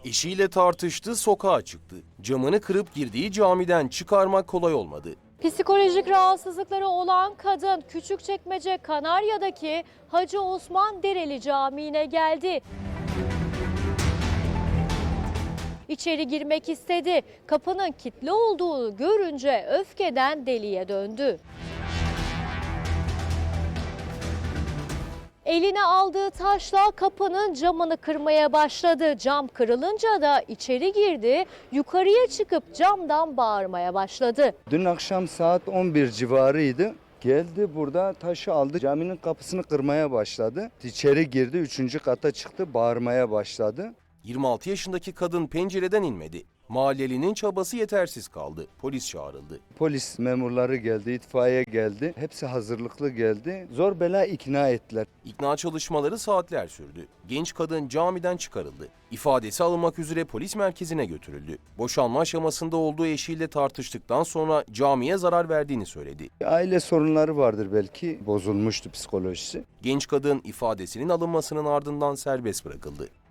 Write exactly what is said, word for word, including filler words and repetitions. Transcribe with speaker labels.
Speaker 1: Eşiyle tartıştı, sokağa çıktı. Camını kırıp girdiği camiden çıkarmak kolay olmadı.
Speaker 2: Psikolojik rahatsızlıkları olan kadın Küçükçekmece Kanarya'daki Hacı Osman Dereli Camii'ne geldi. İçeri girmek istedi. Kapının kilitli olduğunu görünce öfkeden deliye döndü. Eline aldığı taşla kapının camını kırmaya başladı. Cam kırılınca da içeri girdi. Yukarıya çıkıp camdan bağırmaya başladı.
Speaker 3: Dün akşam saat on bir civarıydı. Geldi burada taşı aldı, caminin kapısını kırmaya başladı. İçeri girdi, üçüncü kata çıktı, bağırmaya başladı.
Speaker 1: yirmi altı yaşındaki kadın pencereden inmedi. Mahallelinin çabası yetersiz kaldı. Polis çağrıldı.
Speaker 3: Polis memurları geldi, itfaiye geldi. Hepsi hazırlıklı geldi. Zor bela ikna ettiler.
Speaker 1: İkna çalışmaları saatler sürdü. Genç kadın camiden çıkarıldı. İfadesi alınmak üzere polis merkezine götürüldü. Boşanma aşamasında olduğu eşiyle tartıştıktan sonra camiye zarar verdiğini söyledi.
Speaker 3: Aile sorunları vardır belki, bozulmuştu psikolojisi.
Speaker 1: Genç kadın ifadesinin alınmasının ardından serbest bırakıldı.